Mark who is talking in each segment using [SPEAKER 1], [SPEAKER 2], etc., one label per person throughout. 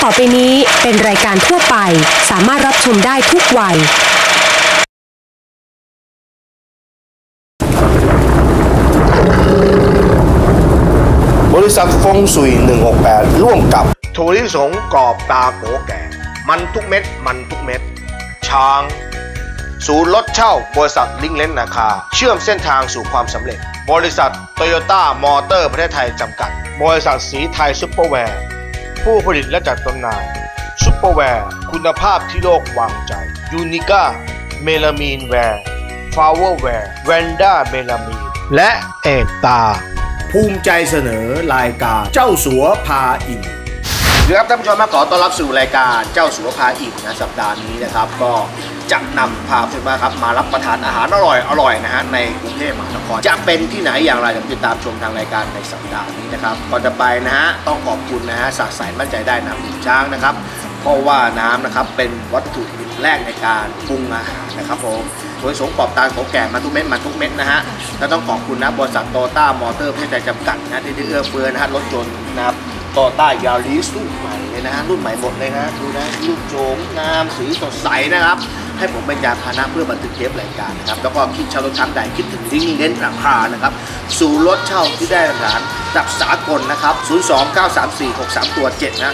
[SPEAKER 1] อไปนี้เป็นรายการทั่วไปสามารถรับชมได้ทุกวัย
[SPEAKER 2] บริษัทฟงสุย168ร่วมกับถั่วลิสงกรอบตาโกแก่มันทุกเม็ดมันทุกเม็ดช้างศูนย์รถเช่าบริษัทลิงเลนนาคาเชื่อมเส้นทางสู่ความสำเร็จบริษัทโตโยต้ามอเตอร์ประเทศไทยจำกัดบริษัทสีไทยซุปเปอร์แวร์ผู้ผลิตและจัดจำหน่ายซุปเปอร์แวร์คุณภาพที่โลกวางใจยูนิก้าเมลามีนแวร์ฟลาวเวอร์แวร์แวนด้าเมลามีนและเอกตาภูมิใจเสนอรายการเจ้าสัวพาอิ่มครับท่านผู้ชมมาขอต้อนรับสู่รายการเจ้าสัวพาอิ่มนะสัปดาห์นี้นะครับก็จะนำพาคุณมาครับมารับประทานอาหารอร่อยนะฮะในกรุงเทพมหานครจะเป็นที่ไหนอย่างไรเดี๋ยวติดตามชมทางรายการในสัปดาห์นี้นะครับก่อนจะไปนะฮะต้องขอบคุณนะฮะสะใสมั่นใจได้น้ำดื่มช้างนะครับเพราะว่าน้ำนะครับเป็นวัตถุดิบแรกในการปรุงอาหารนะครับผมโดยสงกรอบตาโกแก่มาทุกเม็ดมาทุกเม็ดนะฮะและต้องขอบคุณนะบริษัทโตโยต้ามอเตอร์ประเทศไทยจำกัดนะที่เอื้อเฟื้อนะฮะรถยนต์นะครับโตโยต้ายาริสรุ่นใหม่เลยนะฮะรุ่นใหม่หมดเลยนะดูนะรูปโฉมงามสีสดใสนะครับให้ผมเป็นยานพาหนะเพื่อบันทึกเทปรายการนะครับแล้วก็คิดเช่ารถครั้งใดคิดถึงลิงก์เน้นราคานะครับสู่รถเช่าที่ได้มาตรฐานดับสากลนะครับ0293463ตัว7นะ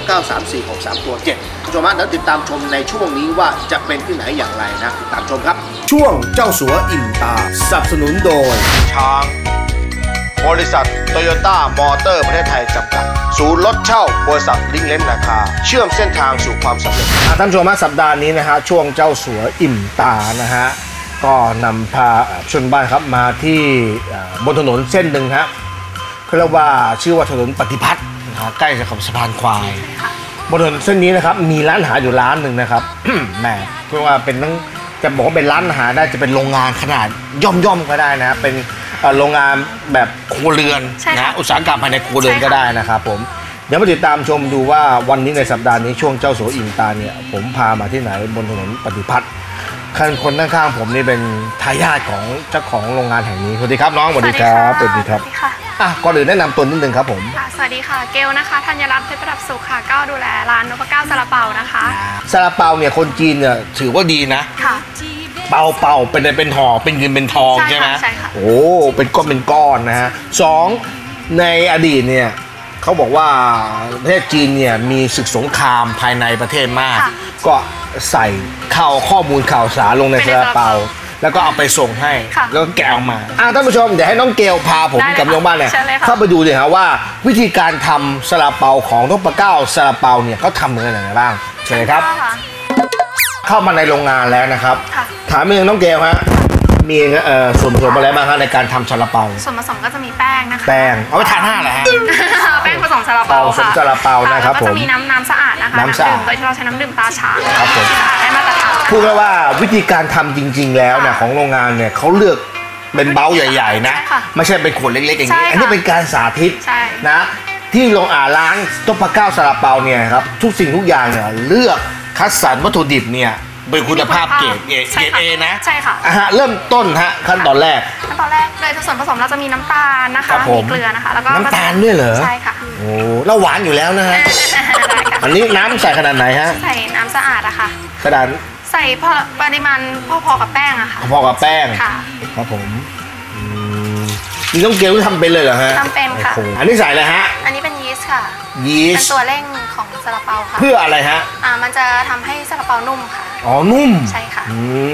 [SPEAKER 2] 0293463ตัว7ชมแล้วติดตามชมในช่วงนี้ว่าจะเป็นที่ไหนอย่างไรนะติดตามชมครับช่วงเจ้าสัวอิ่มตาสนับสนุนโดยช้างบริษัทโตโยต้ามอเตอร์ประเทศไทยจำกัดศูนย์รถเช่าบริษัทลิงเลนนาคาเชื่อมเส้นทางสู่ความสำเร็จท่านผู้ชมสัปดาห์นี้นะฮะช่วงเจ้าสัวอิ่มตานะฮะก็นำพาชนบ้านครับมาที่บนถนนเส้นหนึ่งฮะเขาเรียกว่าชื่อว่าถนนปฏิพัฒน์ใกล้กับสะพานควายบนถนนเส้นนี้นะครับมีร้านอาหารอยู่ร้านหนึ่งนะครับ แหมเรียกว่าเป็นทั้งจะบอกว่าเป็นร้านอาหารได้จะเป็นโรงงานขนาดย่อมก็ได้นะเป็นโรงงานแบบครัวเรือนนะอุตสาหกรรมภายในครัวเรือนก็ได้นะครับผมเดี๋ยวมาติดตามชมดูว่าวันนี้ในสัปดาห์นี้ช่วงเจ้าสัวอิ่มตาเนี่ยผมพามาที่ไหนบนถนนปฏิพัฒน์คนข้างๆผมนี่เป็นทายาทของเจ้าของโรงงานแห่งนี้สวัสดีครับน้องสวัสดีครับสวัสดีครับก่อนอื่นแนะนำตัวนิดนึงครับผม
[SPEAKER 3] สวัสดีค่ะเกลนะคะธัญรัตน์เพชรประดับสุขค่ะก็ดูแลร้านนพเก้าซาลาเปานะคะ
[SPEAKER 2] ซาลาเปาเนี่ยคนจีนเนี่ยถือว่าดีนะ
[SPEAKER 3] ค่ะ
[SPEAKER 2] เปาเป็นห่อเป็นเงินเป็นทองใช่ไหม
[SPEAKER 3] ใช่ค่ะ
[SPEAKER 2] โอ้เป็นก้อนนะฮะสองในอดีตเนี่ยเขาบอกว่าประเทศจีนเนี่ยมีศึกสงครามภายในประเทศมากก็ใส่ข้อมูลข่าวสารลงในซาลาเปาแล้วก็เอาไปส่งให้แล้วก็แกะออกมาท่านผู้ชมเดี๋ยวให้น้องเกลพาผมกับน้องบ้านเนี่ยเข้าไปดูเลยครับว่าวิธีการทำซาลาเปาของนพเก้าซาลาเปาเนี่ยเขาทำเหมือนอะไรบ้างเชิญครับเข้ามาในโรงงานแล้วนะครับถามเองน้องเกลฮะมีส่วนผสมอะไรบ้างครับในการทำซาลาเปา
[SPEAKER 3] ส่วนผสมก็จะมีแป้งนะคะ
[SPEAKER 2] แป้งเอาไปทานหน้าเหรอฮะ
[SPEAKER 3] แป้งผสมซาลาเปาค่ะ
[SPEAKER 2] ซาลาเปานะครับผม
[SPEAKER 3] ก็จะมีน้ำสะอาดนะคะ
[SPEAKER 2] น้ำดื่ม
[SPEAKER 3] โดยที่เราใช้น้ำดื่มตาช้าง
[SPEAKER 2] ครับผม
[SPEAKER 3] ที่สะอาดได้มาตรฐาน
[SPEAKER 2] พูดว่าวิธีการทำจริงๆแล้วเนี่ยของโรงงานเนี่ยเขาเลือกเป็นเบ้าใหญ่ๆนะไม่ใช่เป็นขวดเล็กๆอย่างนี้อันนี้เป็นการสาธิตนะที่โรงร้านนพเก้าซาลาเปาเนี่ยครับทุกสิ่งทุกอย่างเนี่ยเลือกคัดสรรวัตถุดิบเนี่ยเป็นคุณภาพเกรดเอนะ
[SPEAKER 3] ใช่ค่ะ
[SPEAKER 2] เริ่มต้นฮะขั้นตอนแรก
[SPEAKER 3] เลยส่วนผสมเราจะมีน้ำตาลนะคะมีเกลือนะคะแล้วก็
[SPEAKER 2] น้ำตาลด้วยเหรอ
[SPEAKER 3] ใช่ค่ะ
[SPEAKER 2] โอ้แล้วหวานอยู่แล้วนะฮะอันนี้น้ำใส่ขนาดไหนฮะ
[SPEAKER 3] ใส่น้ำสะอาดอะค่ะ
[SPEAKER 2] ขนาด
[SPEAKER 3] ใส่ปริมาณพอกับแป้งอะค่ะ
[SPEAKER 2] พอกับแป้ง
[SPEAKER 3] ค่ะ
[SPEAKER 2] ครับผมนี่ต้องเกลทำเป็นเลยเหรอฮะ
[SPEAKER 3] ทำเป็นค่ะ
[SPEAKER 2] อันนี้ใส่อะไรฮะ
[SPEAKER 3] อันนี้เป็นยีสต์ค่ะ
[SPEAKER 2] ยีสต์
[SPEAKER 3] เป็นตัวเร่งของซาลาเปาค่ะ
[SPEAKER 2] เพื่ออะไรฮะ
[SPEAKER 3] มันจะทำให้ซาลาเปานุ่มค่ะ
[SPEAKER 2] อ๋อนุ่ม
[SPEAKER 3] ใช่ค่ะ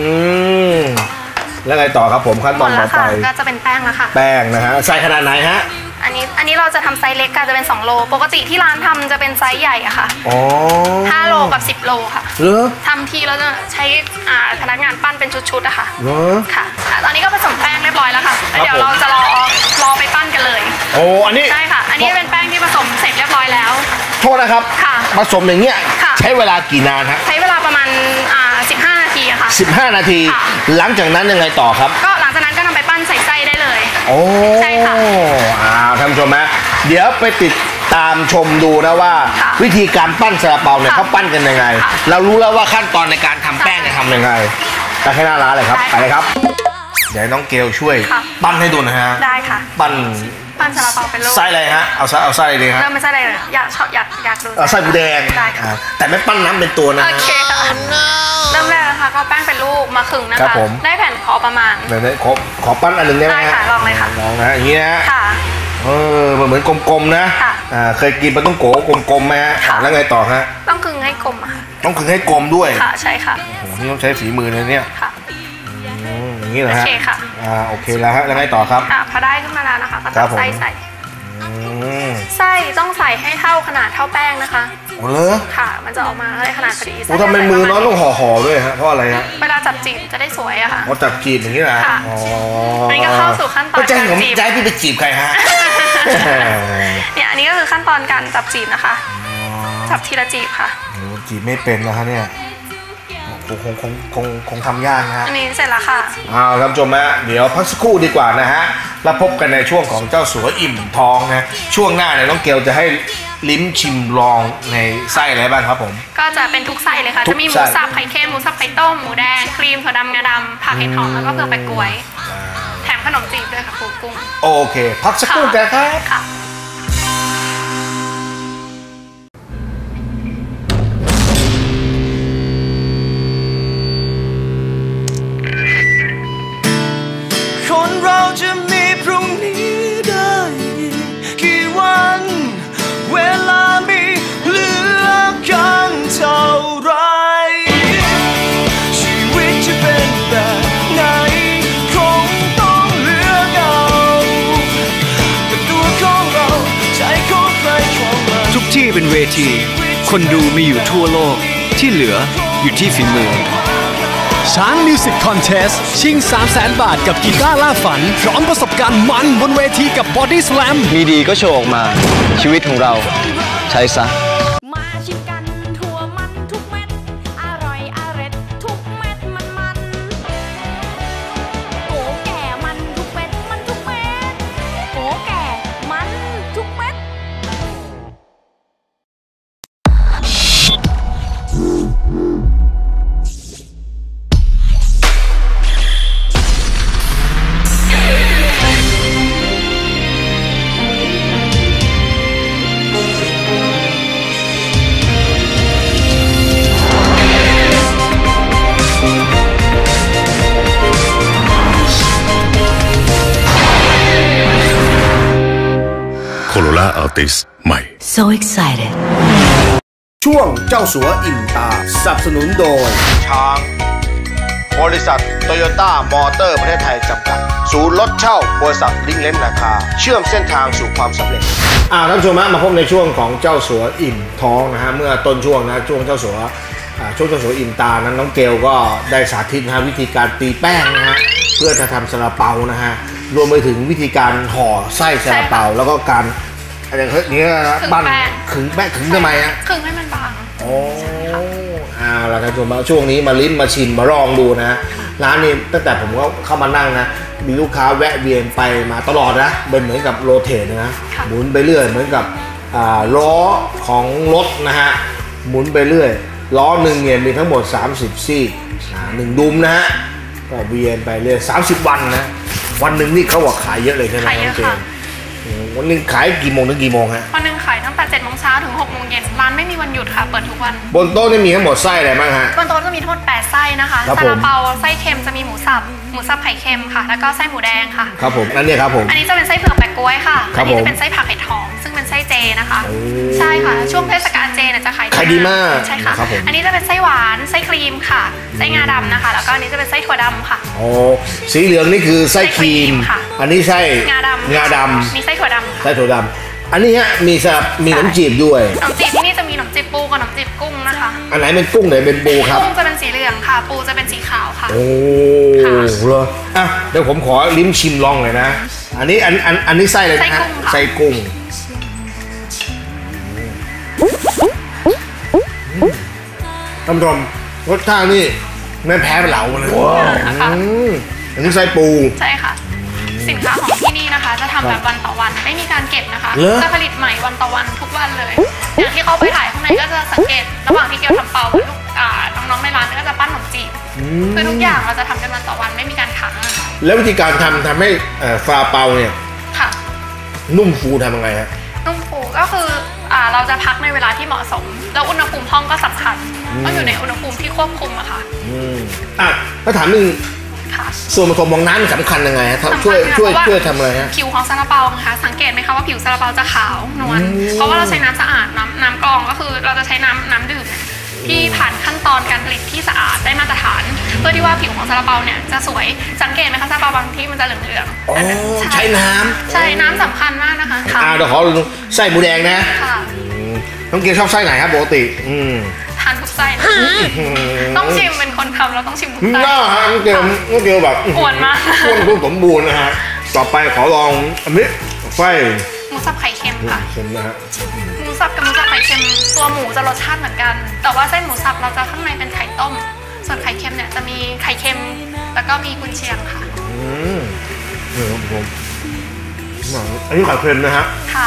[SPEAKER 2] แล้วไงต่อครับผมขั้นตอนต่อไป
[SPEAKER 3] ก็จะเป็นแป้งแล้วค่ะ
[SPEAKER 2] แป้งนะฮะใส่ขนาดไหนฮะ
[SPEAKER 3] อันนี้เราจะทำไซส์เล็กก็จะเป็น2โลปกติที่ร้านทำจะเป็นไซส์ใหญ่อะค่ะ5โลกับ10โลค่ะทำทีเราจะใช้พนักงานปั้นเป็นชุดๆอะค่ะค่ะตอนนี้ก็ผสมแป้งเรียบร้อยแล้วค่ะเดี๋ยวเราจะรอไปปั้นกันเลย
[SPEAKER 2] อันนี้
[SPEAKER 3] ใช่ค่ะอันนี้เป็นแป้งที่ผสมเสร็จเรียบร้อยแล้ว
[SPEAKER 2] โทษนะครับผสมอย่างเงี้ยใช้เวลากี่นานฮะ
[SPEAKER 3] ใช้เวลาประมาณ15 นาทีอะค่ะ
[SPEAKER 2] 15 นาทีหลังจากนั้นยังไงต่อครับ
[SPEAKER 3] ก็หลังจากนั้นก็นำไปปั้นใส่ไส้ได้เลยใช่ค่ะ
[SPEAKER 2] ท่านผู้ชมฮะเดี๋ยวไปติดตามชมดูนะว่าวิธีการปั้นซาลาเปาเนี่ยเขาปั้นกันยังไงเรารู้แล้วว่าขั้นตอนในการทำแป้งจะทำยังไงแต่แค่หน้าร้านเลยครับไปเลยครับเดี๋ยวน้องเกลช่วยปั้นให้ดูนะฮะ
[SPEAKER 3] ได้ค่ะ
[SPEAKER 2] ปั้น
[SPEAKER 3] ปั้นซาลาเปาเป็นลูก
[SPEAKER 2] ไส้อะไรฮะเอาไส้เลยฮะ
[SPEAKER 3] เริ่มไม่ใช่อะไรเลยอยากดู
[SPEAKER 2] ไส้หมูแดงแต่ไม่ปั้นน้ำเป็นตัวนะ
[SPEAKER 3] โอเคค่ะเริ่มแรกนะคะก็แป้งเป็นลูกมาขึงนะคะได้แผ่นพอประมาณ
[SPEAKER 2] ขอปั้นอันหนึ่งได้ไหม
[SPEAKER 3] ค่ะลองเลยค่ะ
[SPEAKER 2] ลองนะอย่างนี้นะ
[SPEAKER 3] ค่ะ
[SPEAKER 2] เหมือนกลมๆนะเคยกินปลาต้องโกะกลมๆไหมฮะแล้วไงต่อฮะ
[SPEAKER 3] ต้องขึงให้กลมค่ะ
[SPEAKER 2] ต้องขึงให้กลมด้วย
[SPEAKER 3] ค่ะใช่ค่ะ
[SPEAKER 2] โอ้โหนี่ต้องใช้ฝีมือเลยเนี่ย
[SPEAKER 3] ค่ะ
[SPEAKER 2] อย่างนี้เหรอฮะ
[SPEAKER 3] โอเคค่ะ
[SPEAKER 2] โอเคแล้วฮะแล้วไงต่อครับ
[SPEAKER 3] พอได้ขึ้นมาแล้วนะคะก็ตักไส้ใส่ต้องใส่ให้เท่าขนาดเท่าแป้งนะคะ
[SPEAKER 2] โอ้เลย
[SPEAKER 3] ค่ะมันจะออกมาได้ขนาดพอดี
[SPEAKER 2] โอ้ทำไมมือน้องต้องห่อด้วยฮะเพราะอะไรฮะ
[SPEAKER 3] เวลาจับจีบจะได้สวยอะค่ะ
[SPEAKER 2] จับจีบอย่างนี้แหละ
[SPEAKER 3] อ๋ออันนี้ก็เข้าสู่ขั้นตอน
[SPEAKER 2] การจีบใจพี่ไปจีบใครฮะ
[SPEAKER 3] เนี่ยอันนี้ก็คือขั้นตอนการจับจีบนะคะจับทีละจีบค่ะ
[SPEAKER 2] จีบไม่เป็นนะคะเนี่ยคงทำยากนะฮะ
[SPEAKER 3] อันนี้เสร็จแล้วค่ะ
[SPEAKER 2] ท่านผู้ชมฮะเดี๋ยวพักสักครู่ดีกว่านะฮะแล้วพบกันในช่วงของเจ้าสัวอิ่มท้องนะช่วงหน้าเนี่ยน้องเกลจะให้ลิ้มชิมลองในไส้อะไรบ้างครับผม
[SPEAKER 3] ก็จะเป็นทุกไส้เลยค่ะจะมีหมูสับไข่เค็มหมูสับไข่ต้มหมูแดงครีมถั่วดำงาดำผักเห็ดหอมแล้วก็เผือกแปะกล้วยแถมขนมจีบด้วยค่ะปูกุ้ง
[SPEAKER 2] โอเคพักสักครู่กันครับ
[SPEAKER 4] คนเราจะมีพรุ่งนี้ได้กี่วันเวลามีเหลือกันเท่าไรชีวิตจะเป็นแบบไหนคงต้องเลือกเอาแต่ตัวของเราใจของใครของมันทุกที่เป็นเวทีคนดูมีอยู่ทั่วโลกที่เหลืออยู่ที่ฝีมือช้างมิวสิกคอนเทสชิง 300,000 บาทกับกีตาร์ล่าฝันพร้อมประสบการณ์มันบนเวทีกับบอดี้สแลมมีดีก็โชว์ออกมาชีวิตของเราใช้ซะมาชิมกันทั่วมันทุกเม็ดอร่อยอร่อยทุกเม็ดมันโกแก่มันทุกเม็ดมันทุกเม็ดโกแก่มันทุกเม็ด
[SPEAKER 2] ใหม่
[SPEAKER 1] So excited
[SPEAKER 2] ช่วงเจ้าสัวอิ่มตาสนับสนุนโดยช้างบริษัทโตโยต้ามอเตอร์ประเทศไทยจำกัดศูนย์รถเช่าบริษัทลิงเลนราคาเชื่อมเส้นทางสู่ความสำเร็จท่านผู้ชมมาพบในช่วงของเจ้าสัวอิ่มท้องนะฮะเมื่อต้นช่วงนะช่วงเจ้าสัวอิ่มตานั้นน้องเกลก็ได้สาธิตนะวิธีการตีแป้งนะฮะเพื่อจะทำซาลาเปานะฮะรวมไปถึงวิธีการห่อไส้ซาลาเปาแล้วก็การอะไรนี้นะปั้นขึงแป้งขึงทำไมฮะ
[SPEAKER 3] ขึงให้มันบาง
[SPEAKER 2] โอ้แล้วท่านผู้ชมช่วงนี้มาลิ้มมาชิมมาลองดูนะร้านนี้ตั้งแต่ผมก็เข้ามานั่งนะมีลูกค้าแวะเวียนไปมาตลอดนะเป็นเหมือนกับโรเตทนะหมุนไปเรื่อยเหมือนกับล้อของรถนะฮะหมุนไปเรื่อยล้อหนึ่งเนี่ยมีทั้งหมด30ซี่1ดุมนะฮะก็เวียนไปเรื่อย30วันนะวันหนึ่งนี่เขาบอกขายเยอะเลยใช่ไหมน้องเจนวันนึงขายกี่โมงถึงกี่โมงฮะ
[SPEAKER 3] วันนึงขายตั้งแต่7 โมงเช้าถึง6 โมงเย็นร้านไม่มีวันหยุดค่ะเปิดทุกวัน
[SPEAKER 2] บนโต๊ะนี่มีทั้งหมดไส้อะไรบ้างฮะ
[SPEAKER 3] บนโต๊ะจะมีทั้งหมด8ไส้นะคะซาลาเปาไส้เค็มจะมีหมูสับไข่เค็มค่ะแล้วก็ไส้หมูแดงค่ะ
[SPEAKER 2] ครับผมนั่นเนี่ยครับผม
[SPEAKER 3] อันนี้จะเป็นไส้เผือกแปะกล้วยค่ะอันนี้จะเป็นไส้ผักเห็ดหอมซึ่งเป็นไส้เจนะคะใช่ค่ะช่วงเทศกาลเจเนี่ยจะขาย
[SPEAKER 2] ดีมาก
[SPEAKER 3] ใช่ค่ะอันนี้จะเป็นไส้หวานไส้ครีมค่ะไส้งาดำนะคะแล้วก็อันนี้จะเป็นไส้ถั่วดำค่ะ
[SPEAKER 2] โอ้สีเหลืองนี่คือไส้ครีมอันนี้ไส้งาดำ
[SPEAKER 3] มีไส้ถั่วดำ
[SPEAKER 2] ไส้ถั่วดำอันนี้ฮะมีขนมจีบด้วย
[SPEAKER 3] ขนมจีบที่นี่จะมีขนมจีบปูกับขนมจีบกุ้งนะคะ
[SPEAKER 2] อันไหนเป็นกุ้งไหนเป็นปูครับ
[SPEAKER 3] กุ้งจะเป็นสีเหลืองค่ะปูจะเป็นสีขาวค่ะ
[SPEAKER 2] โอ้เหรออ่ะเดี๋ยวผมขอลิ้มชิมลองเลยนะอันนี้ไส้เลยนะฮะไส้กุ้งท่านผู้ชมรสชาตินี่ไม่แพ้เหลาเลยอันนี้ไส้ปู
[SPEAKER 3] ใช่ค่ะสินค้าของที่นี่นะคะจะทำแบบวันต่อวันไม่มีการเก็บนะคะจะผลิตใหม่วันต่อวันทุกวันเลยอย่างที่เขาไปถ่ายข้างในก็จะสังเกตระหว่างที่เกียวทำเปากับลูกน้องๆในร้านก็จะปั้นขนมจีบคือทุกอย่างเราจะทำกันวันต่อวันไม่มีการขัง
[SPEAKER 2] แล้ววิธีการทำให้ฟาเปาเนี่ย
[SPEAKER 3] ค่ะ
[SPEAKER 2] นุ่มฟูทำยังไงฮะ
[SPEAKER 3] นุ่มฟูก็คือเราจะพักในเวลาที่เหมาะสมแล้วอุณหภูมิห้องก็สำคัญต้องอยู่ในอุณหภูมิที่ควบคุมอะค่ะ
[SPEAKER 2] ถ้าถามนึงส่วนผสมของน้ำสำคัญยังไงฮะช่วยทำอะไรฮะ
[SPEAKER 3] ผิวของซาลาเปานะคะสังเกตไหมคะว่าผิวซาลาเปาจะขาวนวลเพราะว่าเราใช้น้ำสะอาดน้ำกรองก็คือเราจะใช้น้ำดื่มที่ผ่านขั้นตอนการผลิตที่สะอาดได้มาตรฐานเพื่อที่ว่าผิวของซาลาเปาเนี่ยจะสวยสังเกตไหมคะซาลาเปาบางที่มันจะเหลือง
[SPEAKER 2] ๆใช้น้
[SPEAKER 3] ำสำคัญมากนะคะ
[SPEAKER 2] เดี๋ยวขอไส้หมูแดงนะน้องเกียวชอบไส้ไหนครับปกติ
[SPEAKER 3] ทานทุกไส้ต้องชิมเป็นคนทำเราต้องชิมทุกไส้
[SPEAKER 2] น้องเกียวแบบ
[SPEAKER 3] อ้วนมาก
[SPEAKER 2] อ้วนสมบูรณ์นะฮะต่อไปขอลองอันนี้ไส้
[SPEAKER 3] หมูสับไข่เค็มค่ะ
[SPEAKER 2] เค็มนะฮะ
[SPEAKER 3] หมูสับกับหมูสับไข่เค็มตัวหมูจะรสชาติเหมือนกันแต่ว่าเส้นหมูสับเราจะข้างในเป็นไข่ต้มส่วนไข่เค็มเนี่ยจะมีไข่เค็มแล้วก็มีกุนเชียงค่ะ
[SPEAKER 2] ผมอันนี้ไข่เค็มนะฮะ
[SPEAKER 3] ค่ะ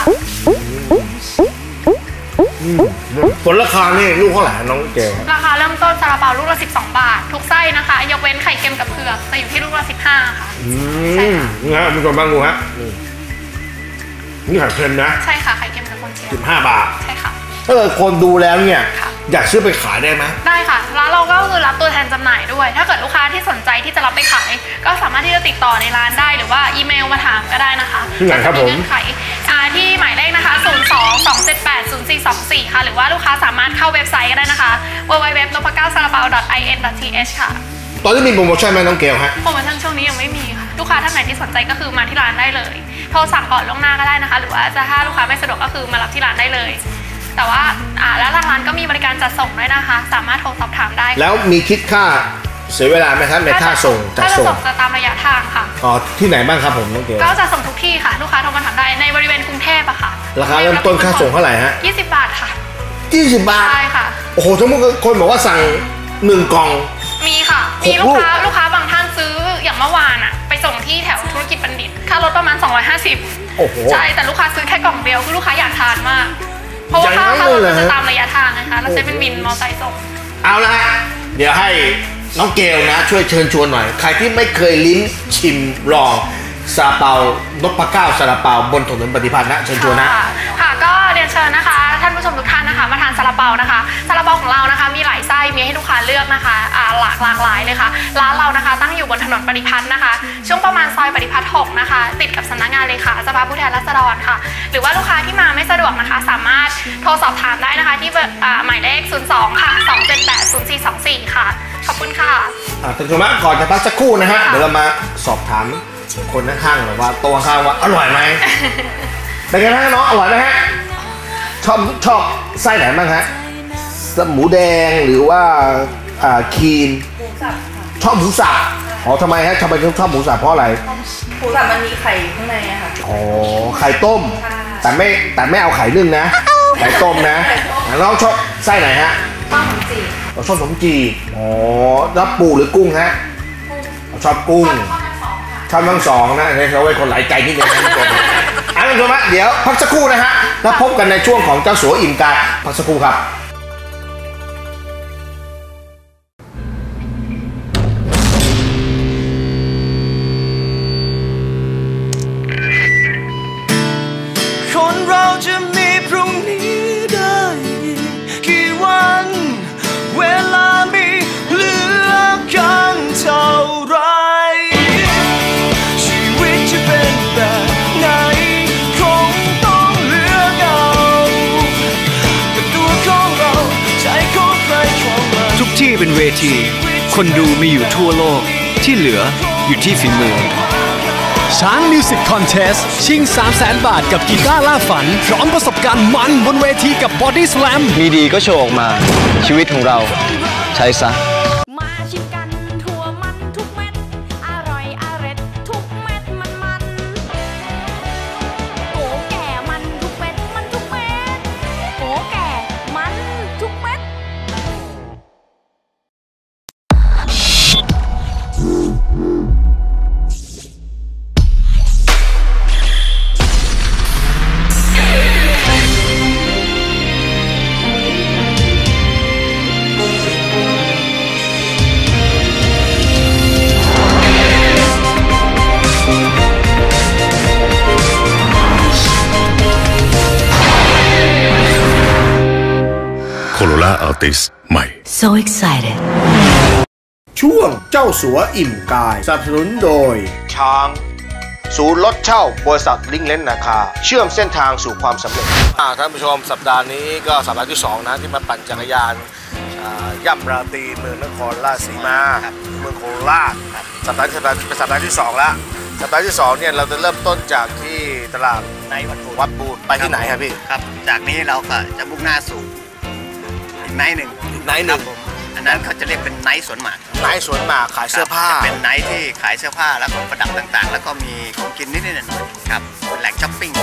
[SPEAKER 2] ผลราคานี่ลูกเท่าไหร่น้องเกล
[SPEAKER 3] ราคาเริ่มต้นซาลาเปาลูกละ12 บาททุกไส้นะคะยกเว้นไข่เค็มกับเผือกจะอยู่ที่ลูกละ15ค่ะ
[SPEAKER 2] ใช่ค่ะนี่ฮะมีคนบ้างดูฮะนี่ไข่เค็มนะ
[SPEAKER 3] ใช่ค่ะไข่เค็มกับกุนเชียง
[SPEAKER 2] 15 บาท
[SPEAKER 3] ใช่ค่ะ
[SPEAKER 2] ถ้าเกิดคนดูแล้วเนี่ยอยากซื้อไปขายได้ไหม
[SPEAKER 3] ได้ค่ะร้านเราก็คือรับตัวแทนจำหน่ายด้วยถ้าเกิดลูกค้าที่สนใจที่จะรับไปขายก็สามารถที่จะติดต่อในร้านได้หรือว่าอีเมลมาถามก็ได้นะคะ
[SPEAKER 2] ที่ไหนครับผม
[SPEAKER 3] เงื่อนไขที่หมายเลขนะคะ02-278-0424ค่ะหรือว่าลูกค้าสามารถเข้าเว็บไซต์ก็ได้นะคะ www.nopakao.in.th ค่ะ
[SPEAKER 2] ตอนนี้มีโปรโมชั่นไหมน้องเกลฮะ
[SPEAKER 3] โปรโมชั่นช่วงนี้ยังไม่มีค่ะลูกค้าท่านไหนที่สนใจก็คือมาที่ร้านได้เลยโทรสั่งก่อนล่วงหน้าก็ได้นะคะหรือว่าถ้าลูกค้าไม่สะดวกก็คือมารับที่ร้านได้เลยแต่ว่าแล้วทางร้านก็มีบริการจัดส่งด้วยนะคะสามารถโทรสอบถามได้
[SPEAKER 2] แล้วมีคิดค่าเสียเวลาไหมครับในค่าส่ง
[SPEAKER 3] จัดส่งจะตามระยะทางค่ะ
[SPEAKER 2] ที่ไหนบ้างครับผมน้องเกล
[SPEAKER 3] ก็จะส่งทุกที่ค่ะลูกค้าโทรมาถามได้ในบริเวณกรุงเทพอะค่ะ
[SPEAKER 2] ราคาเริ่มต้นค่าส่งเท่าไหร่ฮะ
[SPEAKER 3] 20 บาทค่ะ
[SPEAKER 2] 20 บาท
[SPEAKER 3] ใช่ค่ะ
[SPEAKER 2] โอ้โหทั้งหมดคนบอกว่าสั่ง1 กล่อง
[SPEAKER 3] มีค่ะมีลูกค้าบางท่านซื้ออย่างเมื่อวานอะไปส่งที่แถวธุรกิจบัณฑิตค่ารถประมาณ250
[SPEAKER 2] โอ้โห
[SPEAKER 3] ใช่แต่ลูกค้าซื้อแค่กล่องเดียวคือลูกค้าอยากทานมากเพราะว่าค่ารถจะตามระยะทางนะคะเราใช้เป็นวินมอเตอร์ไซค์ส่ง
[SPEAKER 2] เอาละเดี๋ยวให้น้องเกลนะช่วยเชิญชวนหน่อยใครที่ไม่เคยลิ้มชิมลองซาลาเปานพเก้าซาลาเปาบนถนนปฏิพัฒน์นะเชิญชวนนะ
[SPEAKER 3] ค่ะก็เรียนเชิญนะคะท่านผู้ชมทุกท่านนะคะมาทานซาลาเปานะคะซาลาเปาของเรานะคะมีหลายไส้มีให้ลูกค้าเลือกนะคะหลากหลายเลยค่ะร้านเรานะคะตั้งอยู่บนถนนปฏิพัฒน์นะคะช่วงประมาณซอยปฏิพัฒน์6นะคะติดกับสำนักงานเลขาสภาผู้แทนราษฎรค่ะหรือว่าลูกค้าที่มาไม่สะดวกนะคะสามารถโทรสอบถามได้นะคะที่หมายเลข02ค่ะ278-0424ค่ะขอบคุณค่ะ
[SPEAKER 2] ท่านผู้ชมก่อนจะพักสักครู่นะฮะเดี๋ยวเรามาสอบถามคนข้างๆหน่อยว่าตัวข้างว่าอร่อยไหมเป็นไงนะน้องอร่อยไหมฮะชอบไส้ไหนบ้างฮะหมูแดงหรือว่าครีมชอบหมูสับทำไมฮะทำไมชอบหมูสับเพราะอะไร
[SPEAKER 5] หมูสับมันมีไข่ข้างในอะค่ะ
[SPEAKER 2] ไข่ต้มแต่ไม่เอาไข่นึ่งนะไข่ต้มนะน้องชอบไส้ไหนฮะ
[SPEAKER 5] ชอบขนมจีบ
[SPEAKER 2] ชอบขนมจีบแล้วปูหรือกุ้งฮะชอบกุ้งชอบทั้งสองนะเขาไว้คนหลายใจนิดนึงนะทุกคนท่านผู้ชมเดี๋ยวพักสักครู่นะฮะแล้วพบกันในช่วงของเจ้าสัวอิ่มกายพักสักครู่ครับ
[SPEAKER 4] คนเราจะมีพรุ่งนี้ได้กี่วันเวลามีเหลือกันเท่าไรชีวิตจะเป็นแบบไหนคงต้องเลือกเอาแต่ตัวของเราใจของใครของมันทุกที่เป็นเวทีคนดูมีอยู่ทั่วโลกที่เหลืออยู่ที่ฝีมือช้างมิวสิกคอนเทสต์ชิง 300,000 บาทกับกีตาร์ล่าฝันพร้อมประสบการณ์มันบนเวทีกับบอดี้สแลมมีดีก็โชว์ออกมาชีวิตของเราใช้ซะมาชิมกันทั่วมันทุกเม็ดอร่อยอร่อยทุกเม็ดมันโกแก่มันทุกเม็ดมันทุกเม็ดโกแก่มันทุกเม็ด
[SPEAKER 6] Corolla Altis ใหม่
[SPEAKER 1] So excited
[SPEAKER 2] ช่วงเจ้าสัวอิ่มกายสนับสนุนโดยช้างศูนย์รถเช่าบริษัทลิงเลนนาคาเชื่อมเส้นทางสู่ความสำเร็จท่านผู้ชมสัปดาห์นี้ก็สัปดาห์ที่2นะที่มาปั่นจักรยานย่ำราตรีเมืองนครราชสีมาเมืองโคราชสัปดาห์เป็นสัปดาห์ที่2แล้วสัปดาห์ที่2เนี่ยเราจะเริ่มต้นจากที่ตลาดในวัดบูรไปที่ไหนครับพี่
[SPEAKER 7] ครับจากนี้เราก็จะมุ่งหน้าสู่อีกไนท์หนึ่งอันนั้นเขาจะเรียกเป็นไนท์สวนหมาก
[SPEAKER 2] ไนท์สวนหมากขายเสื้อผ้า
[SPEAKER 7] จะเป็นไนท์ที่ขายเสื้อผ้าแล้วก็ประดับต่างๆแล้วก็มีของกินนิดๆหน่อยๆครับเป็นแหล่งช้อปปิ้ง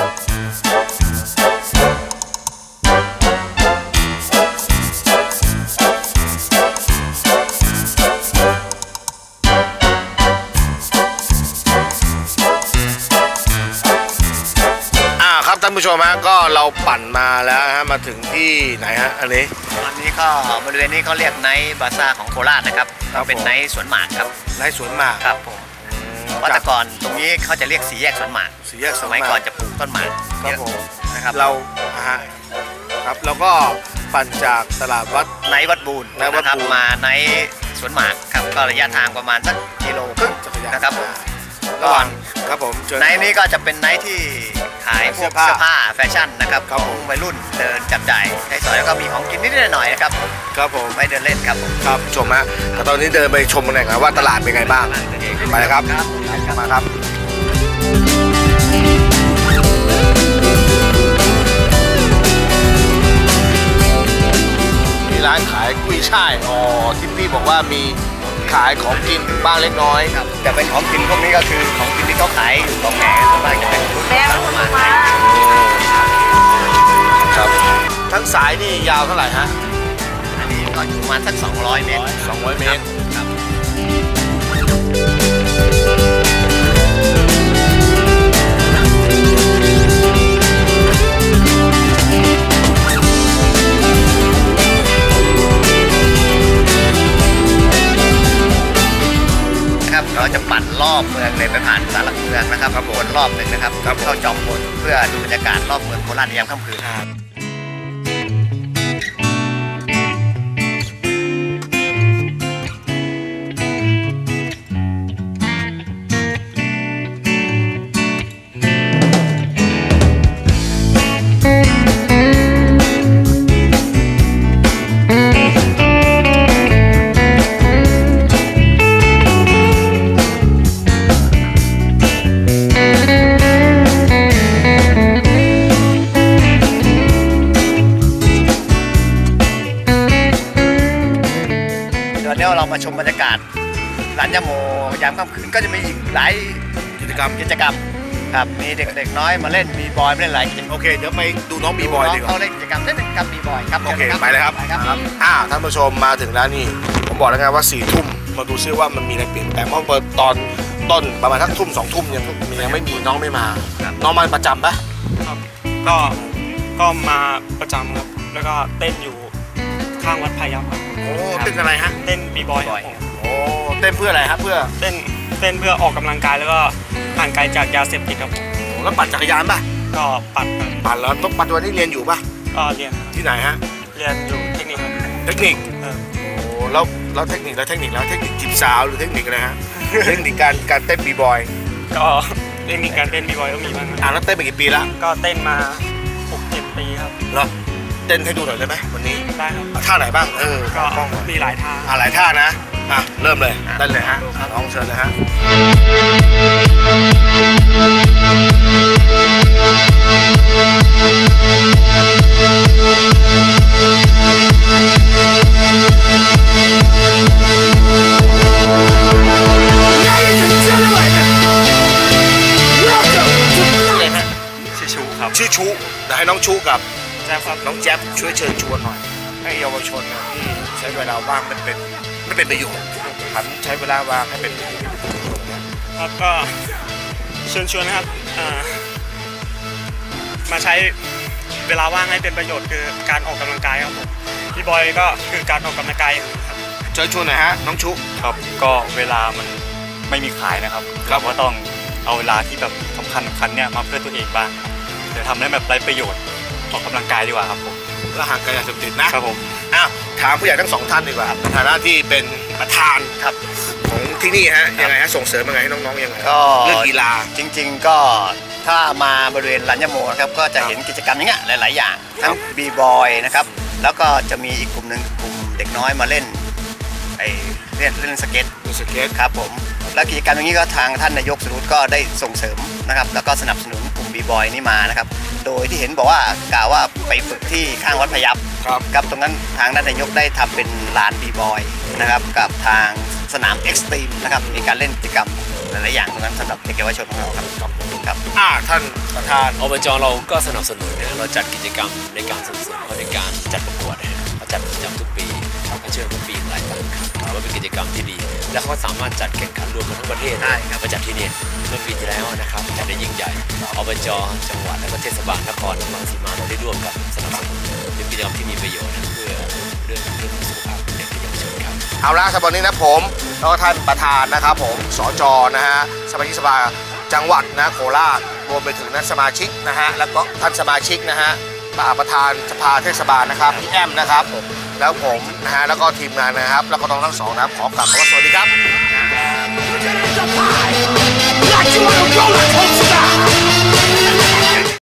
[SPEAKER 2] ครับท่านผู้ชมฮะก็เราปั่นมาแล้วฮะมาถึงที่ไหนฮะอันนี้
[SPEAKER 7] ก็บริเวณนี้เขาเรียกไนท์บาซ่าของโคราชนะครับก็เป็นไนท์สวนหมากครับ
[SPEAKER 2] ไนท์สวนหมาก
[SPEAKER 7] ครับผมว่าแต่ก่อนตรงนี้เขาจะเรียกสี่แยกสวนหมากสมัยก่อนจะปลูกต้นหมาก
[SPEAKER 2] ครับผมนะครับเราครับแล้วก็ปั่นจากตลาดวัด
[SPEAKER 7] ไนท์วัดบูรนะครับมาไนท์สวนหมากครับก็ระยะทางประมาณสักกิโลครึ่งนะครับ
[SPEAKER 2] ระหว่างครับผม
[SPEAKER 7] ไนท์นี้ก็จะเป็นไนท์ที่ขายพวกเสื้อผ้าแฟชั่นนะครับของวัยรุ่นเดินจับจ่ายใช้สอยแล้วก็มีของกินนิดๆหน่อยๆนะครับ
[SPEAKER 2] ครับผม
[SPEAKER 7] ไปเดินเล่นครับผม
[SPEAKER 2] ครับชมฮะแต่ตอนนี้เดินไปชมกันหน่อยครับว่าตลาดเป็นไงบ้างไปเลยครับมาครับมีร้านขายกุ้ยช่ายที่พี่บอกว่ามีขายของกินบ้างเล็กน้อย
[SPEAKER 7] ครับแต่เป็นของกินพวกนี้ก็คือของกินที่เขาขายอยู่ตรงแหนส่วนมากจะเป็นรุ่นประมาณ
[SPEAKER 2] ครับทั้งสายนี่ยาวเท่าไหร่ฮะ
[SPEAKER 7] อันนี้ก็อยู่ประมาณสัก200 เมตร
[SPEAKER 2] 200 เมตรครับ
[SPEAKER 7] เราจะปั่นรอบเมืองเลยไปผ่านศาลหลักเมืองนะครับวนรอบหนึ่งนะครับเข้าจอมพลเพื่อดูบรรยากาศรอบเมืองโคราชยามค่ำคืนเรามาชมบรรยากาศร้านยาโมยามค่ำคืนก็จะมีอีกหลายกิจกรรมครับมีเด็กๆน้อยมาเล่นบีบอยมาเล่นหลายกิจกรรม
[SPEAKER 2] โอเคเดี๋ยวไปดูน้องบีบอยดีกว่า
[SPEAKER 7] เขาเล่นกิจกรรมเล่นกับบีบอยครับ
[SPEAKER 2] โอเคไปเลยครับท่านผู้ชมมาถึงแล้วนี่ผมบอกแล้วไงว่า4 ทุ่มมาดูซิว่ามันมีอะไรเปลี่ยนแปลงเพราะเปิดตอนต้นประมาณสักทุ่ม2 ทุ่มยังไม่มีน้องไม่มาน้องมาประจำปะ
[SPEAKER 8] ครับก็มาประจำครับแล้วก็เต้นอยู่ข้างวัดพายัพครับ
[SPEAKER 2] โอ้เต้นอะไรฮะ
[SPEAKER 8] เต้นบีบอย
[SPEAKER 2] โอ้เต้นเพื่ออะไรครับเพื่อ
[SPEAKER 8] เต้นเพื่อออกกำลังกายแล้วก็ห่างไกลจากยาเสพติดครับ
[SPEAKER 2] แล้วปั่นจักรยานป่ะ
[SPEAKER 8] ก็ปั่น
[SPEAKER 2] แล้วต้องปั่นวันนี้เรียนอยู่ป่ะ
[SPEAKER 8] ก็เรียน
[SPEAKER 2] ที่ไหนฮะ
[SPEAKER 8] เรียนอยู่เทคนิค
[SPEAKER 2] โอ้แล้วเทคนิคจีบสาวหรือเทคนิคอะไรฮะเทคนิคการเต้นบีบอย
[SPEAKER 8] ก็เทคนิคการเต้นบีบอยก็มีบ้าง
[SPEAKER 2] แล้วเต้นไปกี่ปีแล้ว
[SPEAKER 8] ก็เต้นมา 6-7 ปีครับ
[SPEAKER 2] เหรอเต้นให้ดูหน่อยได้ไหมวันนี้
[SPEAKER 8] ได้ครับ
[SPEAKER 2] ท่าไหนบ้าง
[SPEAKER 8] ก็มีหลายท่า
[SPEAKER 2] หลายท่านะเริ่มเลยได้เลยฮะลองเชิญเลยฮะชื่อชูเดี๋ยวให้น้องชูกับน้องแจ๊บช่วยเชิญชวนหน่อยให้เยาวชนที่ใช้เวลาว่างไม่เป็นประโยชน์หันใช้เวลาว่างให้เป็น
[SPEAKER 8] ครับก็เชิญชวนนะครับมาใช้เวลาว่างให้เป็นประโยชน์คือการออกกำลังกายครับผมพี่บอยก็คือการออกกำลังกายครับ
[SPEAKER 2] เชิญชวนหน่อยฮะน้องชุ
[SPEAKER 9] ครับก็เวลามันไม่มีขายนะครับเราก็ต้องเอาเวลาที่แบบสำคัญเนี่ยมาเพื่อตัวเองบ้างเดี๋ยวทำให้แบบไร้ประโยชน์ออกกำลังกายดีกว่าครับผม
[SPEAKER 2] และห่างไกลยาเสพติดนะครับ
[SPEAKER 9] ผม
[SPEAKER 2] อ้าวถามผู้ใหญ่ทั้งสองท่านดีกว่าในฐานะที่เป็นประธานครับของที่นี่ฮะยังไงฮะส่งเสริมยังไงให้น้องๆยังไง
[SPEAKER 7] ก็
[SPEAKER 2] เรื่องกีฬา
[SPEAKER 7] จริงๆก็ถ้ามาบริเวณรัญญโมนะครับก็จะเห็นกิจกรรมอย่างเงี้ยหลายๆอย่างทั้งบีบอยนะครับแล้วก็จะมีอีกกลุ่มหนึ่งกลุ่มเด็กน้อยมาเล่นเล่นสเก็ตครับผมแล้วกิจกรรมอย่างนี้ก็ทางท่านนายกสรุปก็ได้ส่งเสริมนะครับแล้วก็สนับสนุนกลุ่มบีบอยนี่มานะครับโดยที่เห็นบอกว่ากล่าวว่าไปฝึกที่ข้างวัดพยัพครับตรงนั้นทางด้านนายกได้ทำเป็นลานบีบอยนะครับกับทางสนามเอ็กซ์ตรีมนะครับมีการเล่นกิจกรรมหลายๆอย่างตรงนั้นสำหรับเด็กเยาวชนของเราครับ
[SPEAKER 2] ท่านประธาน
[SPEAKER 6] อบจเราก็สนับสนุนนะเราจัดกิจกรรมในการส่งเสริมในการจัดประกวดเราจัดประจำทุกปีเขาเชื่อทุกปีหลายครั้งครับว่าเป็นกิจกรรมที่ดีและเขาสามารถจัดแข่งขันรวมกันทั้งประเทศได้ครับมาจัดที่นี่เมื่อปีที่แล้วนะครับจัดได้ยิ่งใหญ่อบจจังหวัดและเทศบาลนครราชสีมาเราได้ร่วมกับสนับสนุนเป็นกิจกรรมที่มีประโยชน์เพื่อเรื่องสุขภาพเด็กและเยาวชนครับ
[SPEAKER 2] เอาละสำหรับวันนี้นะผมแล้วก็ท่านประธานนะครับผมสจนะฮะสมาชิกสภาจังหวัดนะโคราชรวมไปถึงนักสมาชิกนะฮะแล้วก็ท่านสมาชิกนะฮะประธานสภาเทศบาลนะครับพี่แอมนะครับแล้วผมนะฮะแล้วก็ทีมงานนะครับแล้วก็น้องทั้งสองนะครับขอกลับคำว่าสวัสดีครับ